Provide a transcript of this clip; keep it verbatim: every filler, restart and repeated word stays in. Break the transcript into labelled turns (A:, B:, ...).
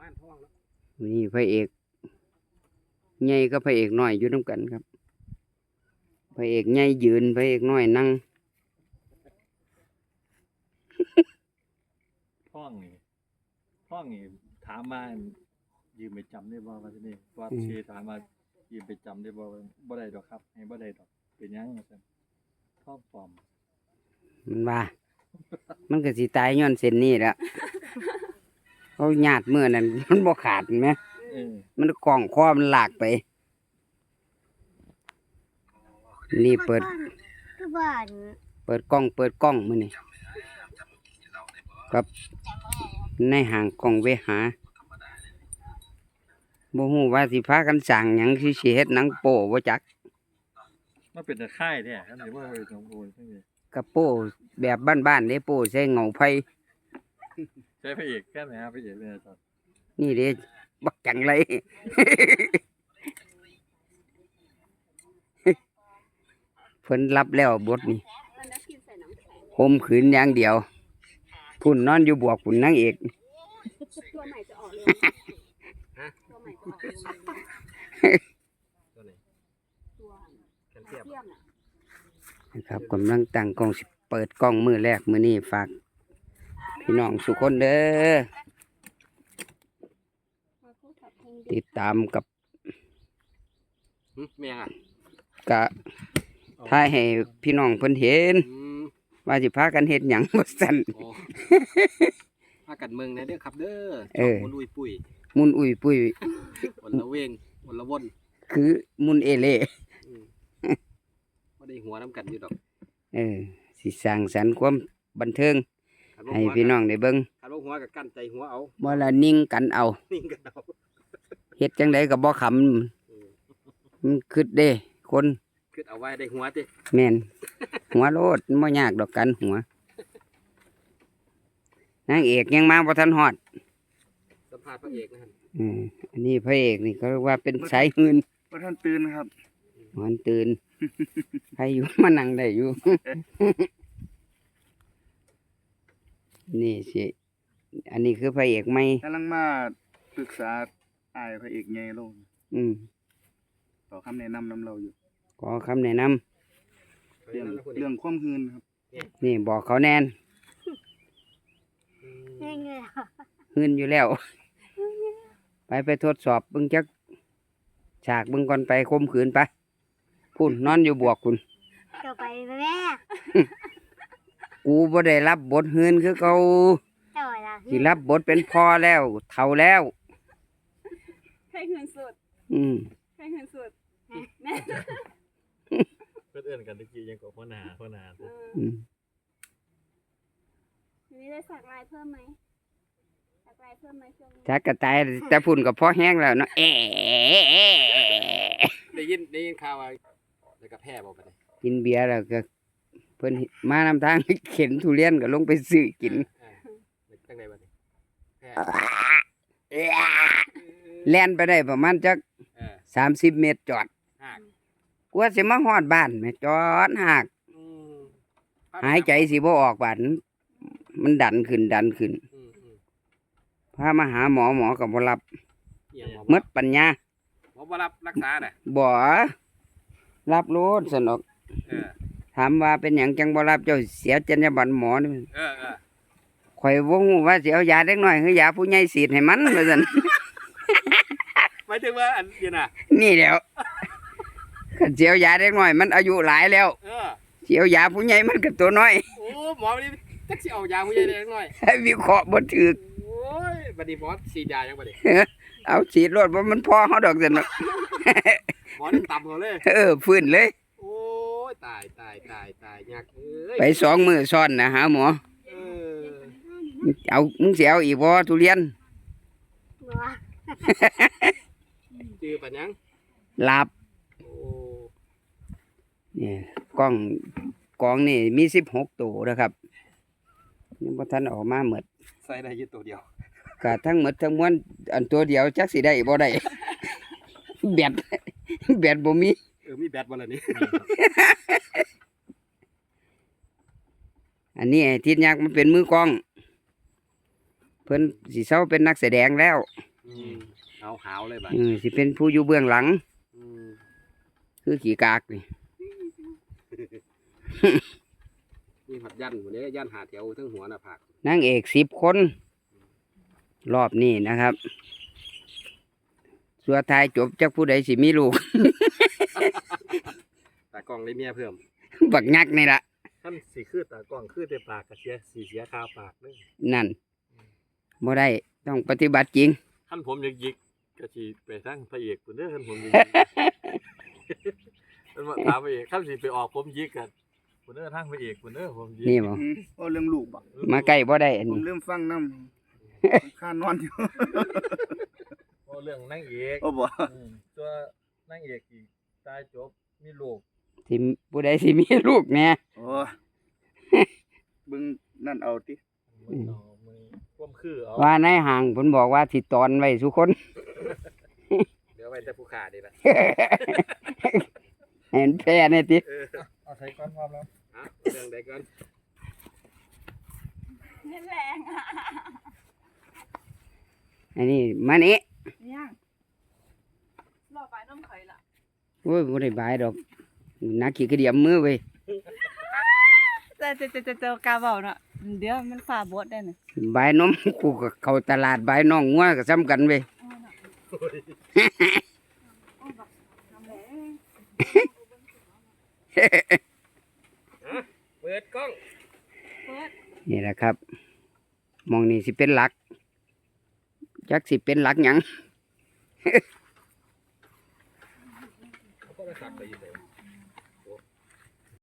A: านท้องแล้ว
B: นี่พระเอกใหญ่ก็พระเอกน้อยอยู่น้ำกันครับพระเอกใหญ่ยืนพระเอกน้อยนั่ง
C: ท้องนี่ท้องนี่ถามมายืมไปจำได้บ่ว่าที่นี่ว่าเชถามมายืมไปจำได้บ่บ่ได้ดอกครับให้บ่ได้ดอกเป็นยังว่าซั่นท้องปลอม
B: มันว่ามันก็สิตายย้อนเส้นนี้แหละเขาหยาดเมื่อนั้นมันบ่ขาดไหมมันกล่องคอมันหลากไปนี่เปิดเปิดกล้องเปิดกล้องมื้อนี้กับในห่างกล้องเวหาบ่ฮู้ว่าสิพากันสร้างหยังสิสิเฮ็ดหนังโป้บ่จัก
C: มันเป็นตะไคร้แท้ครับสิว่าเป็นของโอนจังซี่
B: กับโป้แบบบ้านๆเด้โป้ใส่เงาไผ
C: ใช้พระเอกแค่ไหนครับพระเอกเนี่ยครับ
B: นี่เด้บักจังไรเพิ่นรับแล้วบทนี่คมขืนอย่างเดียวพุ่นนอนอยู่บวกพุ่นนางเอก
D: ตัวใหม่จะออกเลยฮะตัวใหม่จะออกเลย
A: ตัวไหน
D: ตัว
A: แคลเซียม
B: นะครับกำลังตั้งกล้องสิเปิดกล้องมือแรกมือนี้ฝากพี่น้องสุคนเด้อติดตามกับ
A: เมียงอ่ะ
B: กะถ่ายให้พี่น้องเพิ่นเห็นว่าสิพากันเฮ็ดหยังบ่ซั่น
A: พากันเมืองในเด้อครับเด้อ
B: เออ
A: มุนอุ้ยปุ้ย
B: มุนอุ้ยปุ้ย
A: วันละเวงวันละวน
B: คือมุนเอเล่
A: บ่ได้หัวน้ำกันอยู่ดอก
B: เออสิสร้างสรรค์ความบันเทิงให้พี่น้องได้เบิ่ง
A: คันบ่หัวก็กั้นใจหัวเอา
B: บ่ละนิ่งกันเอา
A: นิ่งกันเอา
B: เฮ็ดจังไดก็บ่ขำมันคิดเด้คน
A: คิดเอาไว้ได้หัวติ
B: แม่นหัวโลดบ่ยากดอกกันหัวนางเอกยังมาบ่ทันฮอด
A: สัมภาษณ์พระเอกนะครับ
B: อืมอันนี้พระเอกนี่เขาเรียกว่าเป็นสายหื่น
C: บ่ทันตื่นครับ
B: มันตื่นใครอยู่มานั่งได้อยู่นี่สิอันนี้คือพระเอกใหม่
C: กำลังมาปรึกษาอ้ายพระเอกใหญ่ลง
B: อืม
C: ขอคำแนะนำนำเราอยู่
B: ขอคำแนะน
C: ำเรื่องเรื่องความหื่นครับ
B: นี่บอกเขาแน่นหื่นอยู่แล้วไปไปทดสอบเบิ่งจักฉากเบิ่งก่อนไปคมขืนไปพุ่นนอนอยู่บวกคุณ
D: จะไปแม่
B: กูบ่ได้รับบทหื่นคือเขาสิรับบทเป็นพ่อแล้วเฒ่าแล้ว
D: ให้หื่นสุด
B: อืม
D: ให้หื่นสุด
C: เพื่อนเอื้อนกันตะกี้ยังกว่าพ่อนาพ่อนา
B: อืม
D: ทีนี้ได้สักลายเพิ่มไหมสักลายเพิ่มไหมช่วงนี้
B: จักกระต่ายแต่พุ่นก็พอแห้งแล้วเนาะเอ๊
A: ได้ยินได้ยินข่าวว่าแล้วก็แพ้บ่บัดนี้
B: กินเบียร์แล้วก็เพิ่นมานำทางเข็นทุเรียนก็ลงไปซื้อกิน
A: จังได๋บัดนี้แพ้
B: แล่นไปได้ประมาณจักสามสิบเมตรจอดกว่าสิมาฮอดบ้านแม่จอดหากหายใจสิบ่ออกบาดมันดันขึ้นดันขึ้นพามาหาหมอหมอก็บ่รับหมดปัญญา
A: หมอบ่รับรักษาน่ะ
B: บ่รับโลดสนอกถามว่าเป็นหยังจังบ่รับเจ้าเสียจรรยาบรรณหมอนี่
A: เออ
B: ๆข่อยบ่ฮู้ว่าสิเอายาเด็กน้อยคือยาผู้ใหญ่ฉีดให้มันว่าซั่น
A: หมายถึงว่าอันนี้น่ะ
B: นี่แหล้วคันสิเอายาเด็กน้อยมันอายุหลายแล้ว
A: เออ
B: สิเอายาผู้ใหญ่มันก็ตัวน้อย
A: โอ้หมอนี่จักสิเอายาผู้ใหญ่เด็กน้อย
B: ให้วิเคราะห์บ่ถูก
A: โอ้ยบัดนี้หมอฉีดยายังบัดนี้
B: เอาฉีดรถบ่มันพอเฮาดอกซั่นเนาะ
A: หมอนี่ต่ำเฮาเลย
B: เออฟื้นเลย
A: โอ้ยตายตายตายตายยักเอ้ย
B: ไปสองมื้อซ้อนนะหาหมอ
A: เออ
B: เอามึงสิเอาอีกบ่ทุเรียน
A: จื้อปานยัง
B: หลับ
A: โอ้
B: นี่กล้องกล้องนี่มีสิบหกตัวนะครับยังบ่ทันออกมาหมด
A: ใส่ได้อยู่ตัวเดียว
B: ก็ทั้งหมดทั้งมวลอันตัวเดียวจักสิได้บ่ได้แบตแบตบ่มี
A: เออมีแบตบ่ล่ะนี่
B: อันนี้ทิศยักษ์มันเป็นมือกล้องเพิ่นสิเซาเป็นนักแสดงแล้ว
A: ออืมเอาหาวเลยบัด
B: เออสิเป็นผู้อยู่เบื้องหลัง
A: อืม
B: คือขี่กากนี่
A: มีหัดยันวันนี้ยันหาแถวทั้งหัวหน้าผาก
B: นางเอกสิบคน รอบนี้นะครับสัวทายจบจากผู้ใดสิมีลูก
A: ตากล้องเลยเมียเพิ่ม
B: บักงักนี่ละ
C: ท่านสีคือตากล้องคือแต่ปากกระเสียสีเสียคาปากนึง
B: นั่นบ่ได้ต้องปฏิบัติจริง
C: ท่านผมยิกยิกกะสีไปทั้งพระเอกคนเด้อท่านผมยิกท่านมาถามพระเอกท่านสีไปออกผมยิกกันคนเด้อทั้งพระเอกคนเด้อผมยิก
B: นี่บ่
E: อืมโอ้เรื่องลูกบ่
B: มาใกล้บ่ได้อัน
E: ผม
B: นี้
E: เริ่มฟังน้ำข้านอนอยู่
C: โอ้เรื่องนางเอก
E: โอ้บ่
C: อืมตัวนางเอกอีกตายจบมีลูก
B: สิผู้ใดสิมีลูกแหน่
E: โอ้เบิ่งนั่นเอาติ
C: มือเอามือความคือเอา
B: ว่าในห่างเพิ่นบอกว่าสิตอนไว้ทุกคน
A: เดี๋ยวไว้แต่ผู้ขาดีละ
B: เห็นแพ้แน่ติ
A: เออ
C: เอาใส่ก้อนพร้อมแล้ว
A: ฮะเรื่องใดก่อน
D: เล่นแรงอ่ะ
B: อันนี้มานี่
D: ยังรอไปน้ำไข่ละ
B: โอ้ยบ่ได้บายดอกนักขี้กระเดียมมือเว้ย
D: เจอเจอเจอเจอเจอกาเบาเนาะเดี๋ยวมันฝ่าบดได้เนี่ย
B: บายนมกูก็เข้าตลาดบายน้องงัวก็ซ้ำกันเว้ย
A: เปิดกล้อง
B: นี่แหละครับมองนี่สิเป็นหลักจักสิเป็นหลักหยัง